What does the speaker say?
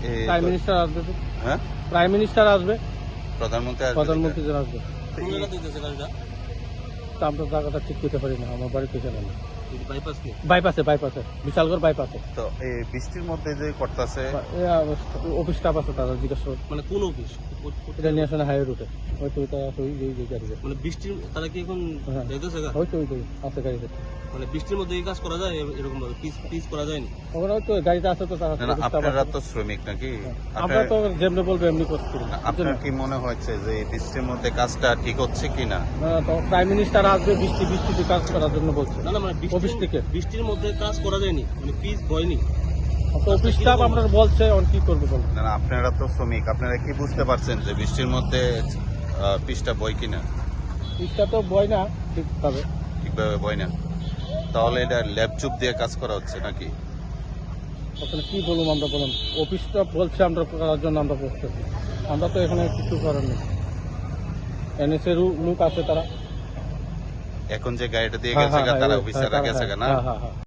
Prime minister আসবে তো। হ্যাঁ, প্রাইম মিনিস্টার আসবে, প্রধানমন্ত্রী আসবে। প্রধানমন্ত্রী যারা আসবে। তো এই- তা আমরা জায়গাটা ঠিক করতে পারি না, আমার বাড়িতে জানা না। বাইপাস কি? বাইপাসে বাইপাসে বিশালগড় বাইপাসে তো এই বৃষ্টির মধ্যে যে করতেছে, অফিস স্টাফ আছে, তারা জিজ্ঞাসা করুন। মানে কোন অফিস? এটা ন্যাশনাল হাইওয়ে রুটে, হয়তো ওইটা আছে, ওই যে গাড়িতে। মানে বৃষ্টির তারা কি এখন হ্যাঁ। যাইতেছে গা? হয়তো ওই যে আছে গাড়িতে, মানে বৃষ্টির মধ্যে এই কাজ করা যায় এরকম ভাবে পিস করা যায়নি? ওখানে হয়তো গাড়িতে আছে তো, তারা না, না, staff আপনারা আছে। তো শ্রমিক নাকি? আমরা আপনার তো যেমনি বলবো এমনি করছি না। আপনার কি মনে হচ্ছে যে এই বৃষ্টির মধ্যে কাজটা ঠিক হচ্ছে কিনা? তো প্রাইম মিনিস্টার আসবে, বৃষ্টিতে কাজ করার জন্য বলছে। না না, মানে অফিস থেকে বৃষ্টির মধ্যে কাজ করা যায়নি, মানে পিস হয়নি। তো অফিস স্টাফ আমরা বলছে, অন কি করবে বলবো। না, না, আপনারা তো শ্রমিক, আপনারা কি বুঝতে পারছেন যে বৃষ্টির মধ্যে পিসটা বয় কিনা? পিসটা তো বয় না ঠিকভাবে। ঠিকভাবে বয় না, তাহলে এটা ল্যাব চুপ দিয়ে কাজ করা হচ্ছে নাকি? ওখানে কি বলবো আমরা, বলুন। অফিস স্টাফ বলছে আমরা করার জন্য, আমরা বসতেছি, আমরা তো এখানে কিছু করার নেই। এনএসএ লোক আছে তারা। এখন যে গাড়িটা দিয়ে হ্যাঁ, গেছে হ্যাঁ, তারা হ্যাঁ, অফিসাররা হ্যাঁ, গেছে না? হ্যাঁ, হ্যাঁ, হ্যাঁ।